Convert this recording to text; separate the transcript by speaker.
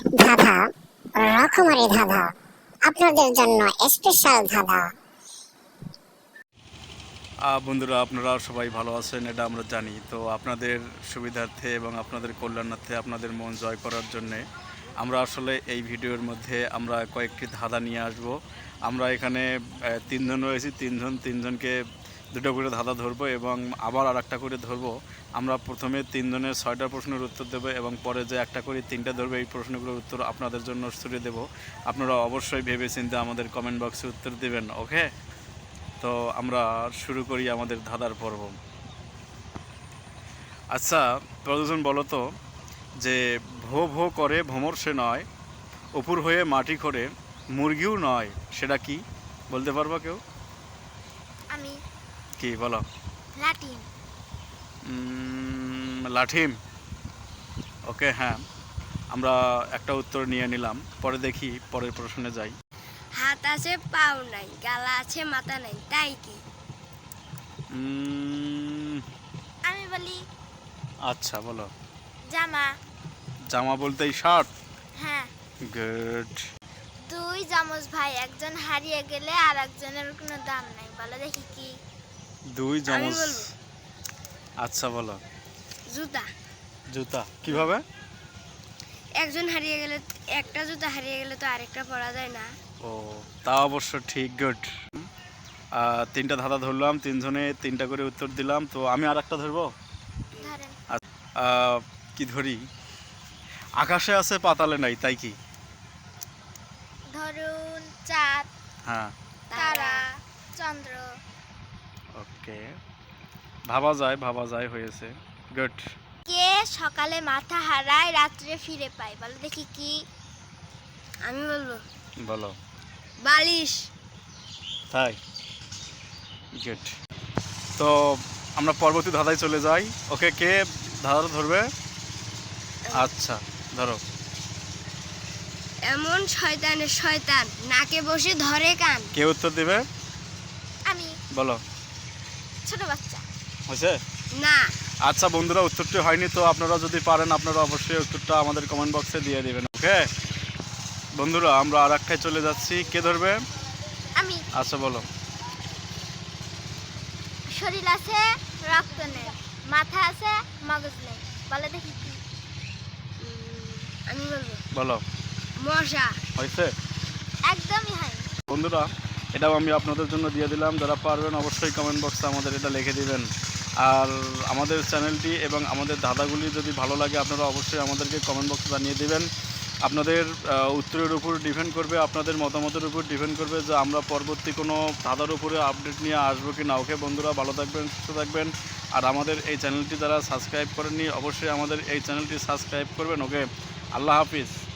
Speaker 1: ধাঁধা, রকমারি ধাঁধা, আপনাদের জন্য স্পেশাল ধাঁধা।
Speaker 2: বন্ধুরা, আপনারা সবাই ভালো আছেন এটা আমরা জানি। তো আপনাদের সুবিধার্থে এবং আপনাদের কল্যাণার্থে, আপনাদের মন জয় করার জন্যে আমরা আসলে এই ভিডিওর মধ্যে আমরা কয়েকটি ধাঁধা নিয়ে আসব। আমরা এখানে তিনজন রয়েছি, তিনজনকে দুটো করে ধাঁধা ধরবো এবং আবার আর একটা করে ধরবো। আমরা প্রথমে তিনজনের 6টা প্রশ্নের উত্তর দেবো এবং পরে যে একটা করে 3টা ধরবো, এই প্রশ্নগুলোর উত্তর আপনাদের জন্য ছুড়ে দেবো। আপনারা অবশ্যই ভেবে চিন্তে আমাদের কমেন্ট বক্সে উত্তর দেবেন, ওকে? তো আমরা শুরু করি আমাদের ধাঁধার পর্ব। আচ্ছা, প্রযোজন বলো তো, যে ভো ভো করে ভ্রমর সে নয়, অপুর হয়ে মাটি করে মুরগিও নয়, সেটা কি বলতে পারবা কেউ?
Speaker 3: আমি
Speaker 2: কি বলো?
Speaker 3: লাটিম।
Speaker 2: লাঠিম। ওকে, হ্যাঁ, আমরা একটা উত্তর নিয়ে নিলাম। পরে দেখি, পরের প্রশ্নে যাই।
Speaker 3: হাত আছে পাও নাই, গালা আছে মাথা নাই, তাই কি? আমি বলি
Speaker 2: আচ্ছা, বলো।
Speaker 3: জামা।
Speaker 2: জামা বলতেই শার্ট।
Speaker 3: হ্যাঁ।
Speaker 2: গুড।
Speaker 3: দুই জামজ ভাই, একজন হারিয়ে গেলে আর একজনের কোনো দাম নাই, বলো দেখি কি?
Speaker 2: দুই
Speaker 3: আমি
Speaker 2: চামচ।
Speaker 3: বলবো
Speaker 2: আচ্ছা, বলো।
Speaker 3: জুতা।
Speaker 2: জুতা কিভাবে?
Speaker 3: একজন হারিয়ে গেলে, একটা জুতা হারিয়ে গেলে তো আরেকটা পরা যায় না।
Speaker 2: ও, তা অবশ্য ঠিক। গুড। 3টা ধাঁধা ধরলাম, তিনজনে 3টা করে উত্তর দিলাম। তো আমি আর একটা ধরবো।
Speaker 3: ধরেন।
Speaker 2: কি ধরি? আকাশে আছে পাতালে নাই, তাই কি?
Speaker 3: ধরুন চাঁদ,
Speaker 2: হ্যাঁ।
Speaker 3: তারা, চন্দ্র।
Speaker 2: ওকে, ভাবা যায় হয়েছে। গুড।
Speaker 3: কে সকালে মাথা হারায় রাত্রে ফিরে পায়, বলো দেখি কি? আমি বলবো
Speaker 2: বলো।
Speaker 3: বালিশ।
Speaker 2: তাই? গুড। তো আমরা পরবর্তী ধাঁধায় চলে যাই। ওকে, কে ধাঁধাটা ধরবে? আচ্ছা, ধরো।
Speaker 3: এমন শয়তানের শয়তান, নাকে বসে ধরে কান।
Speaker 2: কে উত্তর দেবে?
Speaker 3: আমি।
Speaker 2: বলো।
Speaker 3: ছোট বাচ্চা।
Speaker 2: হয়েছে?
Speaker 3: না।
Speaker 2: আচ্ছা বন্ধুরা, উত্তরটি হয়নি। তো আপনারা যদি পারেন, আপনারা অবশ্যই উত্তরটা আমাদের কমেন্ট বক্সে দিয়ে দেবেন, ওকে? বন্ধুরা, আমরা আর একটায় চলে যাচ্ছি। কে ধরবে?
Speaker 3: আমি।
Speaker 2: আচ্ছা, বলো।
Speaker 3: শরীর আছে, রক্ত নেই, মাথা আছে, মগজ নেই, বলো দেখি কি? আমি বলবো
Speaker 2: বলো।
Speaker 3: মশা।
Speaker 2: হয়েছে?
Speaker 3: একদমই হয়।
Speaker 2: বন্ধুরা, এটাও আমি আপনাদের জন্য দিয়ে দিলাম। যারা পারবেন অবশ্যই কমেন্ট বক্সে আমাদের এটা লিখে দিবেন। আর আমাদের চ্যানেলটি এবং আমাদের ধাঁধাগুলি যদি ভালো লাগে, আপনারা অবশ্যই আমাদেরকে কমেন্ট বক্সে জানিয়ে দেবেন। আপনাদের উত্তরের উপর ডিপেন্ড করবে, আপনাদের মতামতের উপর ডিপেন্ড করবে যে আমরা পরবর্তী কোনো ধাঁধার উপরে আপডেট নিয়ে আসবো কি না। ওকে বন্ধুরা, ভালো থাকবেন, সুস্থ থাকবেন। আর আমাদের এই চ্যানেলটি যারা সাবস্ক্রাইব করেননি, অবশ্যই আমাদের এই চ্যানেলটি সাবস্ক্রাইব করবেন। ওকে, আল্লাহ হাফিজ।